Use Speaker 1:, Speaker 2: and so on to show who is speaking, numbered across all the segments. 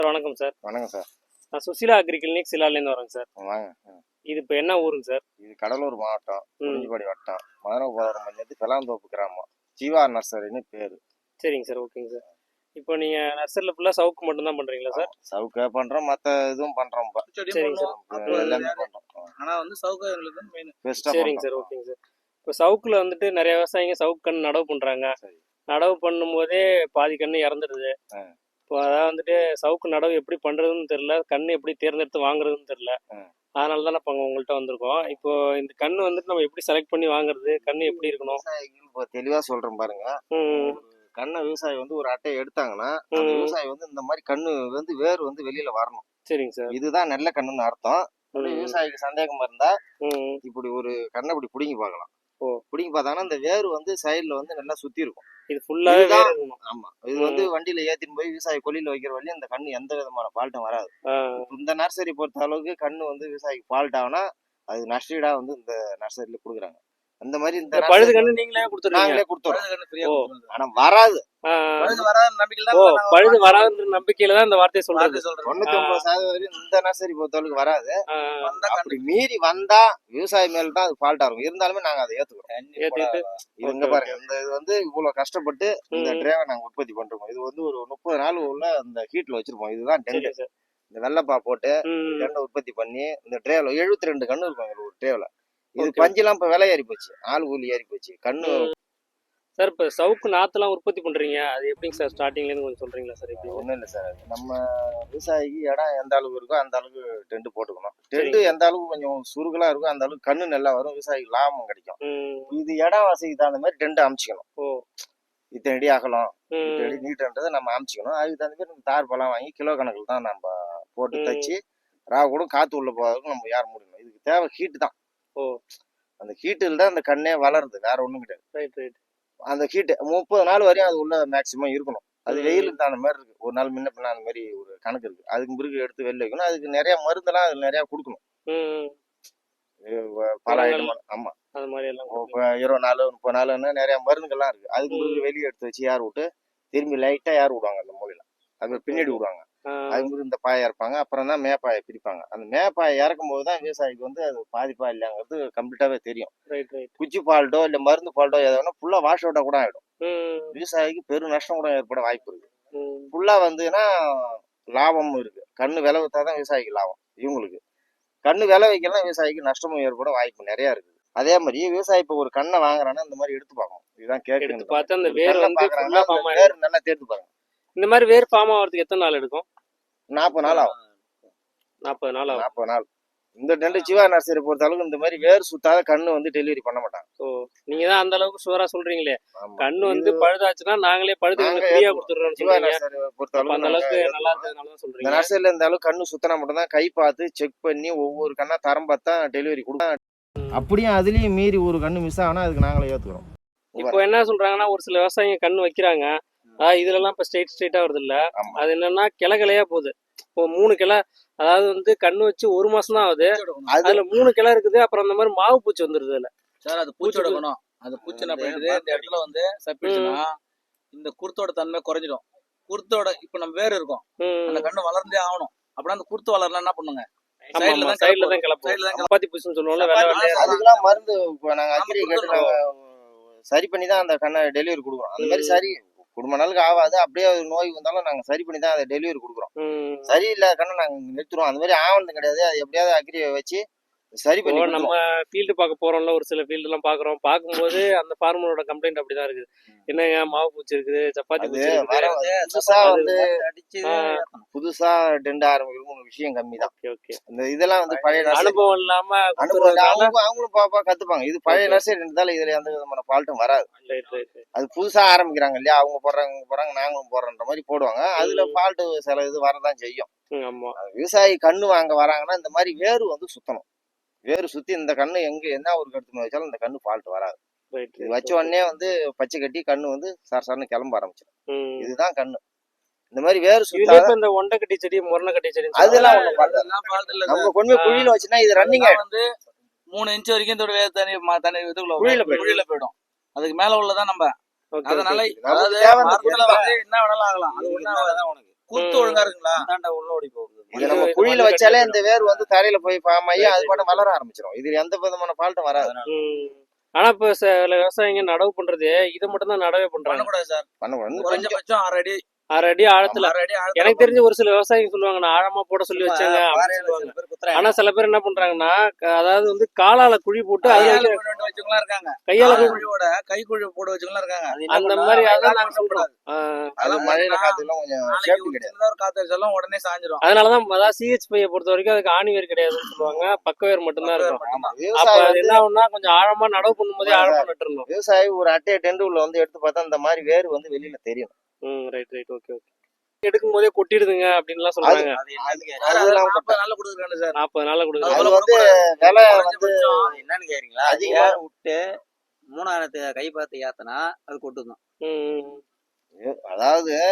Speaker 1: Sir வணக்கம் sir.
Speaker 2: வணக்கம் sir.
Speaker 1: நான் சுசிலா அக்ரி கிளினிக் சிலாலேருந்து வரேங்க சார்.
Speaker 2: வாங்க.
Speaker 1: இது இப்போ என்ன ஊருங்க சார்?
Speaker 2: இது கடலூர் மாவட்டம், குறிஞ்சிப்பாடி வட்டம், மதுரபாதரம் பஞ்சாயத்து பெலாந்தோப்பு கிராமம். ஜீவா நர்சரின்னு பேரு.
Speaker 1: சரிங்க சார், ஓகேங்க சார். இப்போ நீங்கள் நர்சரியில் ஃபுல்லாக சவுக்கு மட்டும்தான் பண்ணுறீங்களா சார்?
Speaker 2: சவுக்கே பண்ணுறோம், மற்ற இதுவும் பண்ணுறோம்.
Speaker 1: சரிங்க சார்,
Speaker 2: எல்லாமே பண்ணுறோம்.
Speaker 3: ஆனால் வந்து சவுக்கு எங்களுக்கு மெயின்.
Speaker 1: சரிங்க சார், ஓகேங்க சார். இப்போ சவுக்கில் வந்துட்டு நிறைய விவசாயிங்க சவுக்கு கன்று நடவு பண்ணுறாங்க. நடவு பண்ணும்போதே பாதி கன்று இறந்துடுது. இப்போ அதான் வந்துட்டு சவுக்கு நடவு எப்படி பண்ணுறதுன்னு தெரில, கன்று எப்படி தேர்ந்தெடுத்து வாங்குறதுன்னு தெரில. அதனால தான் இப்போ உங்கள்கிட்ட வந்திருக்கோம். இப்போ இந்த கன்று வந்துட்டு நம்ம எப்படி செலக்ட் பண்ணி வாங்குறது, கன்று எப்படி இருக்கணும்?
Speaker 2: இப்போ தெளிவாக சொல்கிறேன் பாருங்க. கண்ணை விவசாயி வந்து ஒரு அட்டையை எடுத்தாங்கன்னா அந்த விவசாயி வந்து இந்த மாதிரி கண்ணு வந்து வேர் வந்து வெளியில வரணும்.
Speaker 1: சரிங்க சார்.
Speaker 2: இதுதான் நல்ல கண்ணுன்னு அர்த்தம். விவசாயிக்கு சந்தேகமா இருந்தா இப்படி ஒரு கண்ணை இப்படி பிடிங்கி பார்க்கலாம். பிடிங்கி பார்த்தாங்கன்னா இந்த வேர் வந்து சைடுல வந்து நல்லா சுத்தி இருக்கும்.
Speaker 1: இது ஃபுல்லாவே
Speaker 2: ஆமா, இது வந்து வண்டியில ஏத்தின்னு போய் விவசாயி கொல்லியில வைக்கிற வரையும் இந்த கண்ணு எந்த விதமான ஃபால்ட்டும் வராது. இந்த நர்சரி பொறுத்த அளவுக்கு கண்ணு வந்து விவசாயிக்கு ஃபால்ட் ஆகுனா அது நஷ்டீடா வந்து இந்த நர்சரியில கொடுக்குறாங்க. அந்த மாதிரி இந்த
Speaker 1: பழுது கண்ணு நீங்களே
Speaker 2: கொடுத்துருவோம். ஆனா வராது.
Speaker 1: பழுது வராதுன்ற நம்பிக்கையில தான் இந்த வார்த்தையை சொல்றது.
Speaker 2: 99% இந்த நர்சரி பொறுத்தளவுக்கு வராது. அப்படி மீறி வந்தா விவசாயி மேல தான் அது ஃபால்ட் ஆகும். இருந்தாலுமே நாங்க அதை ஏத்துக்கிறோம். இங்க பாருங்க, இந்த இது வந்து இவ்வளவு கஷ்டப்பட்டு இந்த ட்ரேவை நாங்க உற்பத்தி பண்றோம். இது வந்து ஒரு 30 நாள் உள்ள அந்த ஹீட்ல வச்சிருப்போம். இதுதான் டென்ட். இந்த வெள்ளப்பா போட்டு டெண்டை உற்பத்தி பண்ணி இந்த ட்ரேவ்ல 72 கண்ணு இருக்கும் ஒரு ட்ரேவ்ல. இது பஞ்செல்லாம் இப்ப விலை ஏறி போச்சு, ஆள் கூலி ஏறி போச்சு. கண்ணு
Speaker 1: சார் இப்போ சவுக்கு நாற்றுலாம் உற்பத்தி பண்ணுறீங்க, அது எப்படிங்க சார் ஸ்டார்டிங்லேருந்து கொஞ்சம் சொல்கிறீங்களா சார்? எப்படி?
Speaker 2: ஒன்றும் இல்லை சார், நம்ம விவசாயிக்கு இடம் எந்த அளவுக்கு இருக்கோ அந்த அளவுக்கு டென்ட் போட்டுக்கணும். டென்ட் எந்த அளவுக்கு கொஞ்சம் சுருகலாக இருக்கோ அந்த அளவுக்கு கண்ணு நல்லா வரும், விவசாயிக்கு லாபம் கிடைக்கும். இது இடம் வசதிக்கு தகுந்த மாதிரி டென்ட் அமைச்சிக்கணும். இத்தனை அடி அகலம், இத்தனை அடி நீட்டுன்றதை நம்ம அமைச்சிக்கணும். அதுக்கு தகுந்த மாதிரி தார் பழம் வாங்கி கிலோ கணக்கில் தான் நம்ம போட்டு தச்சு கூட காற்று உள்ள போகிறதுக்கு நம்ம யார் முடியணும். இதுக்கு தேவை ஹீட்டு தான். அந்த ஹீட்டில் தான் அந்த கண்ணே வளருது, வேற ஒன்றும் கிடையாது. அந்த ஹீட்டு 30 நாள் வரையும் அது உள்ள மேக்சிமம் இருக்கணும். அது வெயிலுக்கு தகுந்த மாதிரி இருக்கு. ஒரு நாள் முன்ன பின்ன அந்த மாதிரி ஒரு கணக்கு இருக்கு. அதுக்கு பிறகு எடுத்து வெளில வைக்கணும். அதுக்கு நிறைய மருந்தெல்லாம் அது நிறைய கொடுக்கணும். பல ஐட்டம். ஆமா,
Speaker 1: அது மாதிரி எல்லாம்
Speaker 2: 20 நாள் 30 நாள்னு நிறைய மருந்துகள்லாம் இருக்கு. அதுக்கு பிறகு வெளியே எடுத்து வச்சு யார் விட்டு திரும்பி லைட்டா யார் விடுவாங்க அந்த மூலையில, அது பின்னாடி விடுவாங்க. அது மாதிரி இந்த பாயை இறப்பாங்க. அப்புறம் தான் மேப்பாயை பிரிப்பாங்க. அந்த மேப்பாயை இறக்கும் போது தான் விவசாயிக்கு வந்து அது பாதிப்பா இல்லைங்கிறது கம்ப்ளீட்டாவே தெரியும். குச்சி ஃபால்ட்டோ இல்ல மருந்து ஃபால்ட்டோ எதாவது ஃபுல்லா வாஷ் அவுட்டா கூட ஆயிடும். விவசாயிக்கு பெரும் நஷ்டம் கூட ஏற்பட வாய்ப்பு இருக்கு. ஃபுல்லா வந்துன்னா லாபமும் இருக்கு. கண்ணு விலை வித்தாதான் விவசாயிக்கு லாபம். இவங்களுக்கு கண்ணு விலை வைக்கலாம், விவசாயிக்கு நஷ்டமும் ஏற்பட வாய்ப்பு நிறைய இருக்கு. அதே மாதிரி விவசாயி இப்ப ஒரு கண்ணை வாங்குறான்னா இந்த மாதிரி எடுத்து பார்க்கணும். இதுதான் கேட்கணும். வேர் நல்லா தேர்த்து பாருங்க.
Speaker 1: இந்த மாதிரி வேர் ஃபார்ம் ஆகிறதுக்கு எத்தனை நாள் எடுக்கும்?
Speaker 2: 40 நாள் ஆகும்.
Speaker 1: 40 நாள் ஆகும்.
Speaker 2: 40 நாள். இந்த டென்ட் ஜீவா நர்சரி பொறுத்த அளவுக்கு இந்த மாதிரி வேர் சுத்தாத கண்ணு வந்து டெலிவரி பண்ண மாட்டாங்க.
Speaker 1: நீங்க தான் அந்த அளவுக்கு சுவரா சொல்றீங்களே. கண்ணு வந்து பழுதாச்சுன்னா நாங்களே பழுது ஃப்ரீயா கொடுத்துறோம். ஜீவா நர்சரி பொறுத்த அளவுக்கு அந்த அளவுக்கு நல்லா இருக்கிறதுனால தான் சொல்றீங்க. இந்த நர்சரியில இந்த அளவுக்கு கண்ணு சுத்தனா மட்டும் தான் கை பார்த்து செக் பண்ணி ஒவ்வொரு கண்ணா தரம் பார்த்தா டெலிவரி கொடுக்கும். அப்படியே அதுலயும் மீறி ஒரு கண்ணு மிஸ் ஆனா அதுக்கு நாங்களே ஏத்துக்கிறோம். இப்போ என்ன சொல்றாங்கன்னா, ஒரு சில விவசாயிங்க கண்ணு வைக்கிறாங்க, இதுல எல்லாம் இப்ப ஸ்ட்ரெயிட்டா வருது இல்ல, அது என்னன்னா கிளையா போகுது. இப்போ 3 கிளை, அதாவது வந்து கண்ணு வச்சு 1 மாசம் தான் ஆகுது, அதுல 3 கிளை இருக்குது. அப்புறம் அந்த மாதிரி மாவு பூச்சி வந்துருது இல்ல
Speaker 3: சார். அது பூச்சி எடுக்கணும். அது பூச்சி என்ன பண்ணுது, இந்த இடத்துல வந்து சப்பிடுச்சுன்னா இந்த குருத்தோட தன்மை குறைஞ்சிடும். குருத்தோட இப்ப நம்ம வேறு இருக்கும், அந்த கண்ணு வளர்ந்தே ஆகணும். அப்படின்னா அந்த குருத்து வளரலாம் என்ன பண்ணுங்க,
Speaker 1: சைடுல தான் கிளப்போம். சப்பாத்தி பூச்சின்னு சொல்லுவோம்ல,
Speaker 2: அதுக்கெல்லாம் மருந்து நாங்க அக்ரி கேட்டு சரி பண்ணி தான் அந்த கண்ணை டெலிவரி கொடுக்குறோம். அந்த மாதிரி சரி குடும்ப நாளுக்கு ஆகாது. அப்படியே நோய் வந்தாலும் நாங்க சரி பண்ணி தான் அதை டெலிவரி கொடுக்குறோம். சரியில்லை கண்ணை நாங்க நிறுத்துறோம். அந்த மாதிரி ஆவணம் கிடையாது. அது எப்படியாவது அக்ரியை வச்சு சரி பண்ணி
Speaker 1: நம்ம ஃபீல்டு பார்க்க போறோம்ல, ஒரு சில ஃபீல்டு எல்லாம் பாக்குறோம். பார்க்கும்போது அந்த ஃபார்மரோட கம்ப்ளைண்ட் அப்படிதான் இருக்குது. என்னங்க மாவு பூச்சி இருக்குது, சப்பாத்தி பூச்சி இருக்குது.
Speaker 2: புதுசா வந்து புதுசா டெண்ட் ஆரம்பிக்கிறதுக்கு விஷயம் கம்மி தான். இந்த இதெல்லாம் வந்து பழைய
Speaker 1: அனுபவம் இல்லாம
Speaker 2: அவங்களும் பாப்பா கத்துப்பாங்க. இது பழைய நர்சரி இருந்தாலும் இதுல எந்த விதமான ஃபால்ட்டும் வராது. அது புதுசா ஆரம்பிக்கிறாங்க இல்லையா, அவங்க போடுறாங்க நாங்களும் போடுறன்ற மாதிரி போடுவாங்க. அதுல ஃபால்ட் சில இது வரதான் செய்யும். விவசாயி கண்ணு வாங்க வராங்கன்னா இந்த மாதிரி வேறு வந்து சுத்தணும். வேறு சுத்தி இந்த கண்ணு எங்க என்ன ஒரு கருத்து வச்சாலும் இந்த கண்ணு ஃபால்ட் வராது. இது வச்ச உடனே வந்து பச்சை கட்டி கண்ணு வந்து சரசரன்னு கிளம்ப ஆரம்பிச்சிடும். இதுதான் கண்ணு. இந்த மாதிரி வேறு சுத்தாத
Speaker 1: இந்த ஒண்டை கட்டி செடி, முரணை கட்டி செடி
Speaker 2: அதெல்லாம் நம்ம கொண்டு போய் குழியில வச்சுன்னா இது ரன்னிங்
Speaker 3: வந்து 3 இன்ச் வரைக்கும் இதோட தண்ணி இதுக்குள்ள குழியில போயிடும். அதுக்கு மேல உள்ளதான் நம்ம. அதனால என்ன வேணாலும் ஆகலாம். அது குருத்து ஒழுங்கா இருக்குங்களா?
Speaker 4: உள்ள ஓடி போகுது.
Speaker 2: இது நம்ம குழியில வச்சாலே இந்த வேர் வந்து தரையில போய் ஃபார்ம் ஆகி அது பாட்டு வளர ஆரம்பிச்சிடும். இது எந்த விதமான ஃபால்ட்டும் வராது.
Speaker 1: ஆனா இப்ப சில விவசாயிங்க நடவு பண்றது இதை மட்டும் தான் நடவே பண்றாங்க.
Speaker 3: பண்ணக்கூடாது சார்.
Speaker 2: பண்ணக்கூடாது.
Speaker 3: குறைஞ்சபட்சம்
Speaker 1: 6 அடி ஆழத்துல. எனக்கு தெரிஞ்ச ஒரு சில விவசாயிங்க சொல்லுவாங்க நான் ஆழமா போட சொல்லி வச்சாங்க அப்படின்னு சொல்லுவாங்க. ஆனா சில பேர் என்ன பண்றாங்கன்னா அதாவது வந்து காலால குழி போட்டு அதுல
Speaker 3: வச்சுக்கலாம் இருக்காங்க.
Speaker 1: கையால
Speaker 3: குழியோட கைக்குழி போட வச்சுக்கலாம் இருக்காங்க.
Speaker 1: அந்த மாதிரி அதான் நாங்க சொல்றோம்.
Speaker 2: அது மழையில காத்துல கொஞ்சம் சேஃப்டி கிடையாது.
Speaker 3: ஒரு காத்தடிச்சாலும் உடனே சாஞ்சிரும்.
Speaker 1: அதனாலதான் அதாவது CHP பொறுத்த வரைக்கும் அதுக்கு ஆணி வேர் கிடையாதுன்னு சொல்லுவாங்க. பக்க வேர் மட்டும்தான் இருக்கும். அப்ப
Speaker 2: விவசாயி
Speaker 1: அது என்ன ஆகும்னா கொஞ்சம் ஆழமா நடவு பண்ணும்போதே ஆழமா நட்டுறணும்.
Speaker 2: விவசாயி ஒரு அட்டையை டெண்டு உள்ள வந்து எடுத்து பார்த்தா இந்த மாதிரி வேர் வந்து வெளியில தெரியும்.
Speaker 1: ரைட் ஓகே எடுக்கும் போதே கொட்டிடுதுங்க அப்படின்னு எல்லாம் சொல்றாங்க.
Speaker 3: அது 40 நாள்ல கொடுக்குறாங்க சார்.
Speaker 1: 40 நாள்ல கொடுக்குறாங்க.
Speaker 2: அது வந்து விலை வந்து
Speaker 4: என்னன்னு கேக்குறீங்களா? அதிகமா விட்டு 3000 கை பார்த்து ஏத்தனா அது கொட்டுதான்.
Speaker 2: அதாவது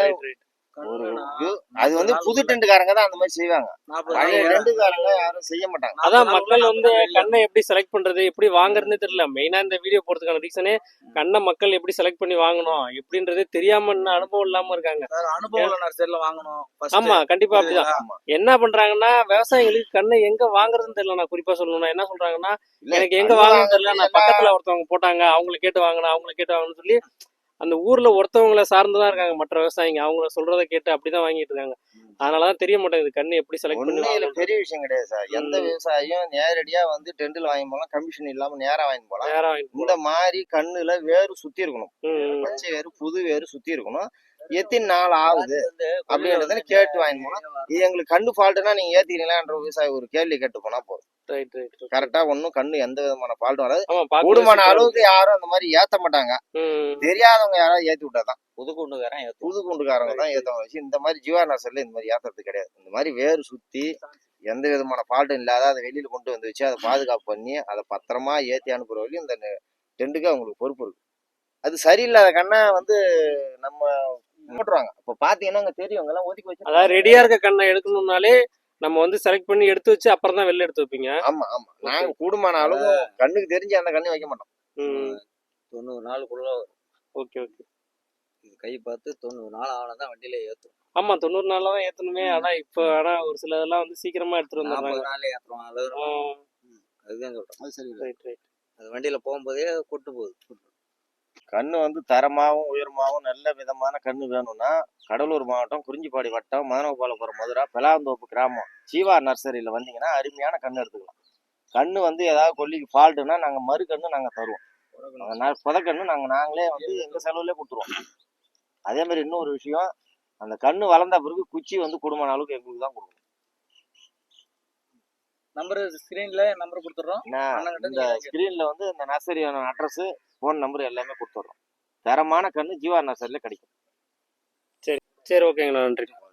Speaker 2: அது வந்து புது டெண்டுக்காரங்க தான் அந்த மாதிரி செய்வாங்க. பழைய டெண்டுக்காரங்க யாரும் செய்ய மாட்டாங்க.
Speaker 1: அதான் மக்கள் வந்து கண்ணை எப்படி செலக்ட் பண்றது எப்படி வாங்குறதுன்னு தெரியல. மெயினா இந்த வீடியோ போறதுக்கான ரீசனே கண்ணை மக்கள் எப்படி செலக்ட் பண்ணி வாங்கணும் எப்படின்றதே தெரியாம அனுபவம் இல்லாம இருக்காங்க.
Speaker 3: அனுபவம் நர்சரில வாங்கணும்.
Speaker 1: ஆமா கண்டிப்பா அப்படிதான். என்ன பண்றாங்கன்னா விவசாயிகளுக்கு கண்ணை எங்க வாங்குறதுன்னு தெரியல. நான் குறிப்பா சொல்லணும்னா என்ன சொல்றாங்கன்னா எனக்கு எங்க வாங்கணும்னு தெரியல. நான் பக்கத்துல ஒருத்தவங்க போட்டாங்க அவங்களை கேட்டு வாங்கணும்னு சொல்லி அந்த ஊர்ல ஒருத்தவங்களை சார்ந்துதான் இருக்காங்க மற்ற விவசாயிங்க. அவங்கள சொல்றதை கேட்டு அப்படிதான் வாங்கிட்டு இருக்காங்க. அதனாலதான் தெரிய மாட்டேங்குது கண்ணு எப்படி செலக்ட் பண்ணி.
Speaker 2: பெரிய விஷயம் கிடையாது சார். எந்த விவசாயியும் நேரடியா வந்து டெண்டில் வாங்கி போலாம், கமிஷன் இல்லாம நேரா வாங்கி போலாம். இந்த மாதிரி கண்ணுல வேறு சுத்தி இருக்கணும். பச்சை வேறு புது வேறு சுத்தி இருக்கணும். எத்தனை நாள் ஆகுது அப்படின்றத கேட்டு வாங்கி போனா இது எங்களுக்கு கண்ணு ஃபால்ட்டுனா நீங்க ஏத்திக்கிறீங்களான்ற விவசாயி ஒரு கேள்வி கேட்டு போனா போதும். கரெக்டா ஒன்னும் கண்ணு எந்த விதமான ஃபால்ட்டும் வராது. கூடுமான அளவுக்கு யாரும் அந்த மாதிரி ஏத்த மாட்டாங்க. தெரியாதவங்க யாராவது ஏத்தி விட்டாதான் புது குண்டுக்காரங்க தான் ஏத்தவங்க வச்சு இந்த மாதிரி ஜீவா நர்சரில இந்த மாதிரி ஏத்துறது கிடையாது. இந்த மாதிரி வேறு சுத்தி எந்த விதமான ஃபால்ட்டும் இல்லாத அதை வெளியில கொண்டு வந்து வச்சு அதை பாதுகாப்பு பண்ணி அதை பத்திரமா ஏத்தி அனுப்புற வரையும் இந்த டெண்டுக்கு அவங்களுக்கு பொறுப்பு இருக்கு. அது சரியில்லாத கண்ணை வந்து நம்ம போட்டுருவாங்க. இப்ப பாத்தீங்கன்னா தெரியும் எல்லாம் ஒதுக்கி வச்சு
Speaker 1: அதாவது ரெடியா இருக்க கண்ணை எடுக்கணும்னாலே நம்ம வந்து செலக்ட் பண்ணி எடுத்து வச்சு அப்புறம் தான் வெளில எடுத்து வைப்பீங்க.
Speaker 2: ஆமா நாங்க கூடுமான அளவு கண்ணுக்கு தெரிஞ்சு அந்த கண்ணை வைக்க மாட்டோம்.
Speaker 4: 90 நாளுக்குள்ள
Speaker 1: ஓகே
Speaker 4: இது கை பார்த்து 90 நாள் ஆனதான் வண்டியில ஏத்தும்.
Speaker 1: ஆமா 90 நாள்ல தான் ஏத்தணுமே. ஆனா ஒரு சில இதெல்லாம் வந்து சீக்கிரமா எடுத்துட்டு வந்துடுறாங்க.
Speaker 4: 40 நாள்ல ஏத்துறோம். அதுதான் சொல்றேன். அது சரி. அது வண்டியில போகும்போதே கொட்டு போகுது.
Speaker 2: கண்ணு வந்து தரமாகவும் உயரமாகவும் நல்ல விதமான கண்ணு வேணும்னா கடலூர் மாவட்டம் குறிஞ்சிப்பாடி வட்டம் மதனகோபாலபுரம் மதுரா பெலாந்தோப்பு கிராமம் ஜீவா நர்சரியில வந்தீங்கன்னா அருமையான கண்ணு எடுத்துக்கலாம். கண்ணு வந்து ஏதாவது கொல்லிக்கு ஃபால்ட்டுனா நாங்க மறு கண்ணு நாங்க தருவோம். புதக்கண்ணு நாங்களே வந்து எங்க செலவுலேயே கொடுத்துருவோம். அதே மாதிரி இன்னொரு விஷயம் அந்த கண்ணு வளர்ந்த பிறகு குச்சி வந்து குடும்பமான அளவுக்கு எங்களுக்கு தான் கொடுக்கணும்.
Speaker 3: நம்பர் ஸ்கிரீன்ல நம்பர் கொடுத்துறோம்.
Speaker 2: இந்த ஸ்கிரீன்ல வந்து இந்த நர்சரியான அட்ரஸ் ஃபோன் நம்பர் எல்லாமே கொடுத்துட்றோம். தரமான கண்ணு ஜீவா நர்சரியில கிடைக்கும்.
Speaker 1: சரி ஓகேங்கண்ணா நன்றி.